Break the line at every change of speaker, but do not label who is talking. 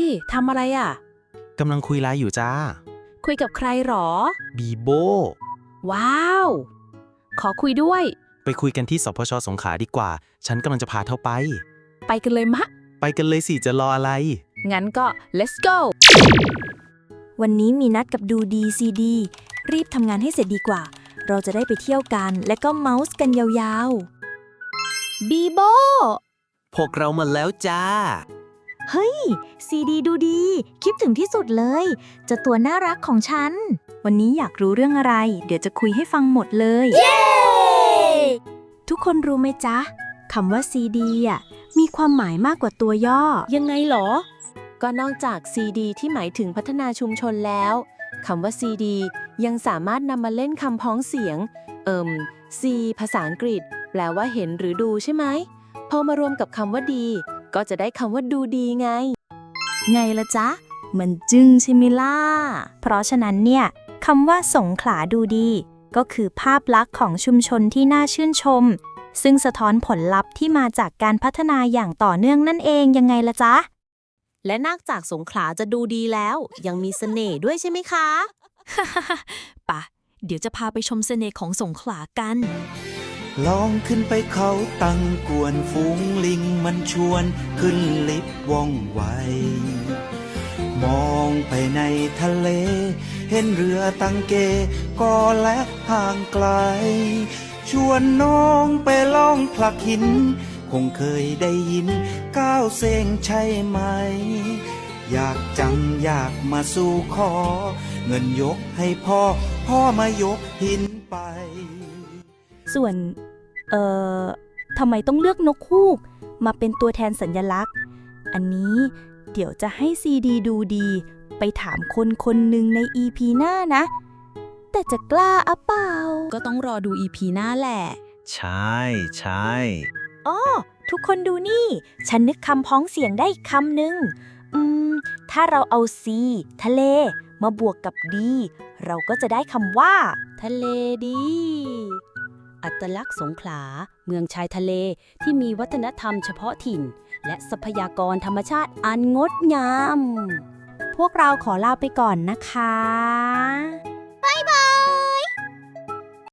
ทำอะไรอ่ะ
กำลังคุยไลน์อยู่จ้า
คุยกับใครหรอ
บีโบ
ว้าว ขอคุยด้วย
ไปคุยกันที่สพช.สงขลาดีกว่า ฉันกำลังจะพาเธอไป
ไปกันเลยมะ
ไปกันเลยสิจะรออะไร
งั้นก็ let's go
วันนี้มีนัดกับดูดีซีดีรีบทำงานให้เสร็จดีกว่า เราจะได้ไปเที่ยวกันและก็เมาส์กันยาวๆบีโบ
พวกเรามาแล้วจ้า
เฮ้ยซีดีดูดีคิดถึงที่สุดเลยเจะตัวน่ารักของฉัน วันนี้อยากรู้เรื่องอะไร เดี๋ยวจะคุยให้ฟังหมดเลย เย้ ทุกคนรู้ไหมจ๊ะคำว่าซีดีมีความหมายมากกว่าตัวย่อ
ยังไงหรอ ก็นอกจาก CD ที่หมายถึงพัฒนาชุมชนแล้วคำว่า CD ยังสามารถนำมาเล่นคำพ้องเสียงC ภาษาอังกฤษ แปลว่าเห็นหรือดูใช่ไหมพอมารวมกับคำว่าดี ก็จะได้คำว่าดูดีไง
ไงละจ๊ะ มันจึ้งใช่ไหมล่ะ เพราะฉะนั้นเนี่ยคำว่าสงขลาดูดี ก็คือภาพลักษณ์ของชุมชนที่น่าชื่นชม ซึ่งสะท้อนผลลัพธ์ที่มาจากการพัฒนาอย่างต่อเนื่องนั่นเองยังไงละจ๊ะ
และนอกจากสงขลาจะดูดีแล้ว ยังมีเสน่ห์ด้วยใช่ไหมคะ
ปะเดี๋ยวจะพาไปชมเสน่ห์ของสงขลากัน
ลองขึ้นไปเขาตั้งกวนฝูงลิงมันชวนขึ้นลิฟต์ว่องไว มองไปในทะเล เห็นเรือตังเกก็และห่างไกล ชวนน้องไปล่องผลักหิน คงเคยได้ยินก้าวเซงใช่ไหม อยากจังอยากมาสู่ขอ เงินยกให้พ่อ พ่อมายกหินไป
ส่วนทำไมต้องเลือกนกฮูกมาเป็นตัวแทนสัญลักษณ์ อันนี้เดี๋ยวจะให้ซีดีดูดีไปถามคนคนหนึ่งใน EP หน้านะ แต่จะกล้าอะเปล่า
ก็ต้องรอดู EP หน้าแหละ
ใช่ใช่
อ๋อ ทุกคนดูนี่ ฉันนึกคำพ้องเสียงได้อีกคำหนึ่งถ้าเราเอา C ทะเล มาบวกกับ D เราก็จะได้คำว่า
ทะเลดี อัตลักษณ์สงขลา เมืองชายทะเลที่มีวัฒนธรรมเฉพาะถิ่น และทรัพยากรธรรมชาติอันงดงาม
พวกเราขอลาไปก่อนนะคะ บ๊ายบาย